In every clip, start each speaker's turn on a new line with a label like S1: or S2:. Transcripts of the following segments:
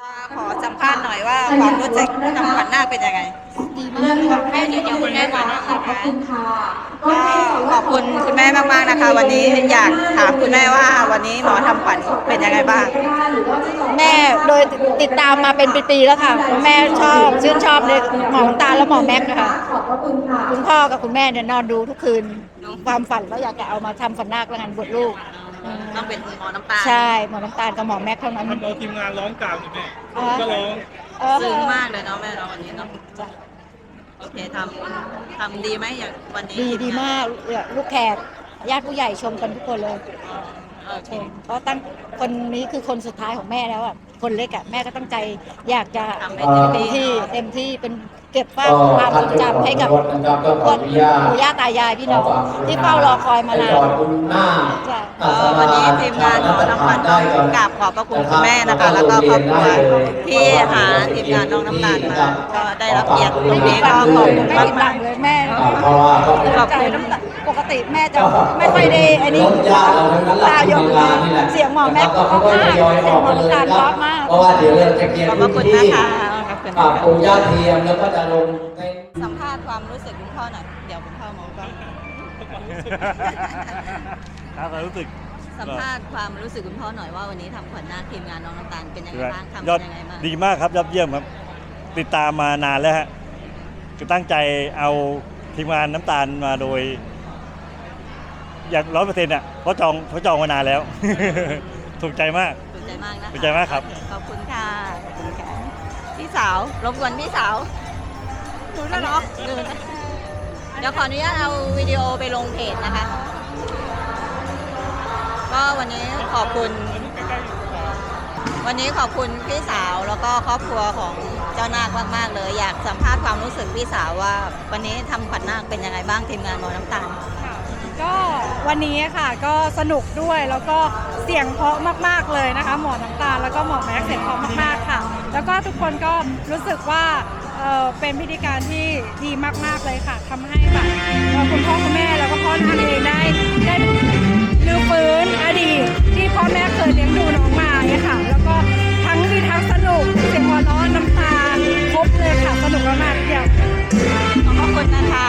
S1: ขอสัมภาษณ์หน่อยว่าความรู้สึกทำขวัญนาคเป็นยังไง
S2: ดีมากค่ะแม่เดี๋ยวคุณแม่มาขอบคุณค่ะ
S1: ก็ขอบคุณคุณแม่มากๆนะคะวันนี้อยากถามคุณแม่ว่าวันนี้หมอทำขวัญเป็นยังไงบ้าง
S2: แม่โดยติดตามมาเป็นปีๆแล้วค่ะแม่ชอบชื่นชอบในหมอน้ำตาลและหมอแม็กนะคะคุณพ่อกับคุณแม่เนี่ยนอนดูทุกคืนความฝันว่าอยากจะเอามาทำฝันนาคและงานบวชลูก
S1: ต้องเป็นหมอน้ำตาล
S2: ใช่หมอน้ำตาลกับหมอแม็กเท่านั้น
S3: มันเอาทีมงานร้องกลางเลยแม่ก็ร้อง
S1: ซึ้งมากเลยเนาะแม่เนาะวันนี้เนาะโอเคทำดีไหมอย่างวันนี้
S2: ดีมากลูกแขกญาติผู้ใหญ่ชมกันทุกคนเลยชมเพราะตั้งคนนี้คือคนสุดท้ายของแม่แล้วอ่ะคนเล็กอ่ะแม่ก็ตั้งใจอยากจะทำให้เต็มที่เป็นเก็บความทรงจำให้กับคนปู่ย่าตายายพี่น้องที่เฝ้ารอคอยมานาน
S1: วันนี้ทีมงานหมอน้ำขวัญต้องกราบขอบพระคุณคุณแม่นะคะแล้วก็ครอบครัวที่หาทีมงานน้องน้ำตาลมาก็ได้รับเกียรติตรงนี้ก็ขอบคุณมาก
S2: เลยแม่
S1: ขอบคุณ
S2: ปกติแม่จะไม่ค่อยได้อันนี้ตาหยดเสียงหมอแม่ก็มากเสียงหมอน้ำตาลก็มาก
S4: เพราะว่าเดี๋ยวเราจะเกียรติที่ปู่ย่าเทียมแล้วก็จะลงใน
S1: สัมภาษณ์ความรู้สึกคุณพ่อหน่อยเดี๋ยวคุณพ่อมองกล้อง
S3: ความรู้สึก
S1: สัมภาษณ์ความรู้สึกคุณพ่อหน่อยว่าวันนี้ทำขวัญนาคทีมงานน้องน้ำตาลเป็นยังไงบ้างทำเป็นยังไงบ้าง
S3: ดีมากครับยอดเยี่ยมครับติดตามมานานแล้วฮะคือตั้งใจเอาทีมงานน้ำตาลมาโดยอย่าง100%อ่ะเพราะจองมานานแล้วถูกใจมาก
S1: ถูกใจมากนะ
S3: ถูกใจมากครับ
S1: ขอบคุณค่ะพี่สาวรบกวนพี่สาวดูนะเนาะเดี๋ยวขออนุญาตเอาวิดีโอไปลงเพจนะคะก็วันนี้ขอบคุณพี่สาวแล้วก็ครอบครัวของเจ้านาคมากๆเลยอยากสัมภาษณ์ความรู้สึกพี่สาวว่าวันนี้ทำขวัญนาคเป็นยังไงบ้างทีมงานหมอน้ำตาล
S5: ก็วันนี้ค่ะก็สนุกด้วยแล้วก็เสียงเพราะมากๆเลยนะคะหมอน้ำตาลแล้วก็หมอแม็กเสียงเพราะมากๆค่ะแล้วก็ทุกคนก็รู้สึกว่าเป็นพิธีการที่ดีมากๆเลยค่ะทำให้แบบคุณพ่อคุณแม่แล้วก็พ่อนาคเองได้ลื้อฟื้นอดีตที่พ่อแม่เคยเลี้ยงดูน้องมาเนี่ยค่ะแล้วก็ทั้งดีทั้งสนุกเสียงหัวเราะน้ำตาครบเลยค่ะสนุกมากๆเดี๋ยว
S1: ขอบคุณนะคะ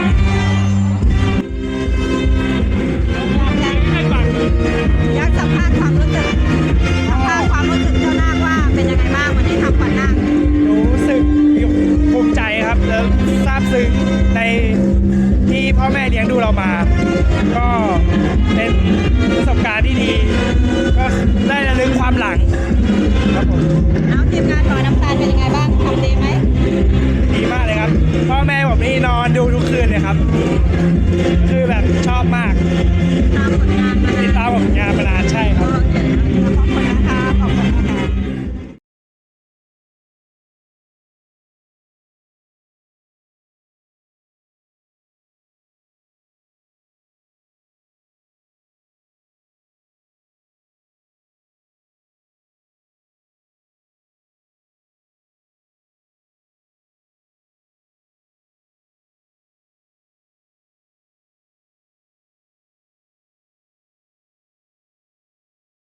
S1: อยากสัมภาษณ์ความรู้สึกเจ้านาคว่าเป็นยังไงบ้างวันนี้ทำขวัญนาค
S6: รู้สึกภูมิใจครับแล้วซาบซึ้งในที่พ่อแม่เลี้ยงดูเรามา ก็เป็นประสบการณ์ที่ดีก็ได้ระลึกความหลังครับผม
S1: แล้วทีมงานหมอน้ำตาลเป็นยังไงบ้างทำดีไหม
S6: ดีมากเลยครับพ่อแม่ผมนี่นอนดูทุกคืนเลยครับคือแบบชอบมาก
S1: ตามผลงาน
S6: มานานใช่ครับ
S1: ขอบคุณนะคะขอบคุณนะคะ